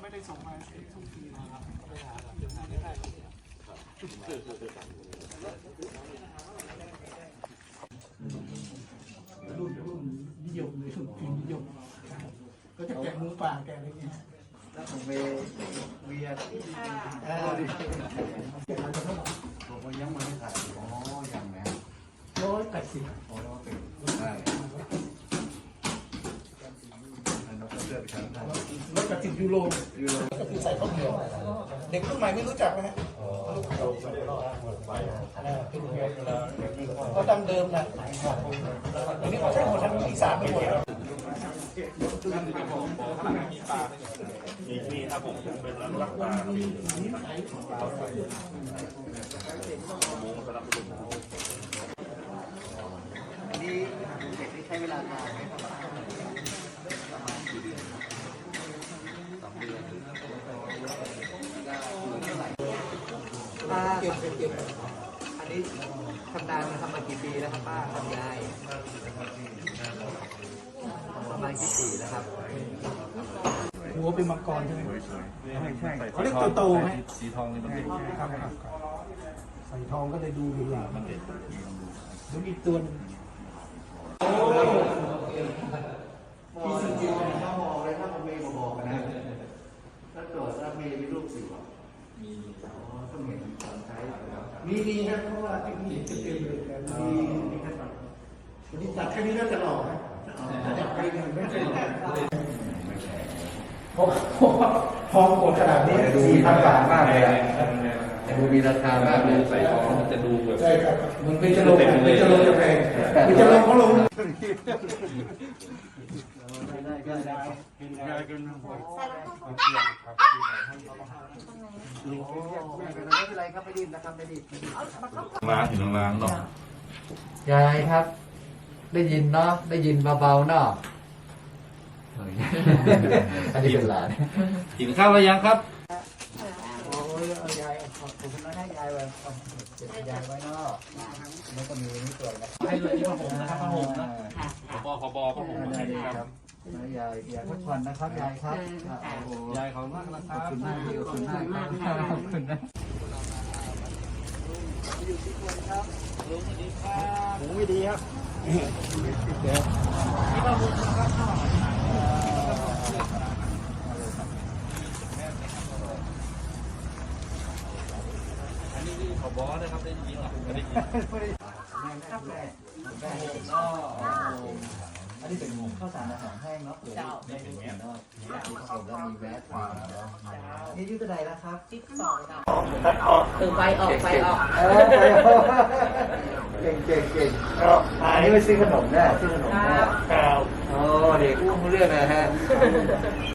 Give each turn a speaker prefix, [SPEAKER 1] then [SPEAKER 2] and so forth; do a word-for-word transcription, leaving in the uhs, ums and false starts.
[SPEAKER 1] ไม่ได้ส่งมาทุกทีนะครับไปหาหาไม่ได้รุ่นรุ่นนิยมเลยรุ่นพิมพ์นิยมก็จะแกะหมูป่าแกะอะไรเงี้ย
[SPEAKER 2] แล้วผมไปเวียนเออ
[SPEAKER 1] แกะอะไรก็เท่าไหร่
[SPEAKER 2] ผมยังไม่ได้ถ่ายอ๋อยังนะ
[SPEAKER 1] ร้อยแปดสิบ
[SPEAKER 2] อ๋อร้อยแปดสิบได้เราก็เลือกชั้นได้
[SPEAKER 1] ร้อยแปดสิบยูโร
[SPEAKER 2] ยูโร
[SPEAKER 1] ก็คือใส่ข้าวเหนียวเด็กรุ่นใหม่ไม่รู้จักนะฮะเขาดั้งเดิมนะอันนี้เขาใช้หมดทั้งอีสานไปหมด
[SPEAKER 3] มีมีครับผมเป็นร้านรักปลาหมูสำหรับลูก
[SPEAKER 2] อันนี้เด็กที่ใช้เวลานานไหมครับประมาณกี่เดือนสองเดือนป้าเก็บเก็บอันนี้ทำนานทำมากี่ปีแล้วครับป้าทำยายประมาณกี่ปีแล้วครับ
[SPEAKER 1] หัวเป็นมังกรใช่ไหมใช่ใช่เขาเรียกโตๆไหม
[SPEAKER 3] สีทองนี่มัน
[SPEAKER 1] ครับใส่ทองก็เลยดูดีอ่ะมันเด็ดดูอีกตัวนึง
[SPEAKER 2] ที่สิ่งที่ถ้ามองเลยถ้าผมเมย์บอกนะถ้าตรวจถ้าเมย์มีรูปสิวมีอ๋อต้องเห็นตอนใช้
[SPEAKER 1] มีมีครับเพราะว่าที่เห็นเต็มเลยมีมีแค่ตัดวันนี้ตัดแค่นี้น่าจะหล่อนะถ้าอยากไปเนี่ยไม่ใช่เพราะทองโกดขนาดนี้
[SPEAKER 2] สี่พันบาทมากเลยอ่ะดูมีราคามากเลย
[SPEAKER 3] ใส่ทองมันจะดูแบบ
[SPEAKER 1] ใช่ครับมันเป็นจะลงเป็นจะลงจะแพงเป็นจะลงเขาลง
[SPEAKER 2] ได้ได้ได้
[SPEAKER 3] ได้กันทั้งหมด
[SPEAKER 2] ไม่เป็นไรครับไม่ดิ้นนะครับไม่ดิ้น
[SPEAKER 3] ล้างถึงล้างเนาะ
[SPEAKER 2] ยายครับได้ยินเนาะได้ยินเบาๆเนาะอันนี้เป็นหลาน
[SPEAKER 3] กินข้าวหรือยังครับ
[SPEAKER 2] โอ้ยยายขอบคุณนะให้ยายไว้เก็บยายไว้เนาะแล้วก็มีนี่ตัวนะ
[SPEAKER 3] ให้เลยที่ผ้าห่มนะครับผ้าห่มนะขอบขอบผ้าห่มนะครับ
[SPEAKER 2] ยายยายพักผ่อนนะครับยายครับ
[SPEAKER 3] ยายขอบคุณมากนะครับ
[SPEAKER 2] ขอบคุณมากที่ขอบคุณมากขอบคุณนะอยู่ที่คนครับลุงสวัสดีครับ
[SPEAKER 3] หูไม่ดีครับ
[SPEAKER 2] ที่บ้านลุงนะครับ
[SPEAKER 3] อันนี้ขอบอนะครับได้ยินหรอไม่ได้ยิน
[SPEAKER 2] อันนี้เป็นข้าวสารอาหารแห้งเนาะเจ้าไม่เป็นแง่เนาะที่ผสมแล้วมีแวะมาเนาะนี่ยืดอะไรแล้วครับจิ๊บสองนะ
[SPEAKER 4] เออไปออกไปออก
[SPEAKER 2] เก่งเก่งเก่งอันนี้ไปซื้อขนมแน่ซื้อขนมแน่โอ้เด็กอุ้มเรื่องนะฮะ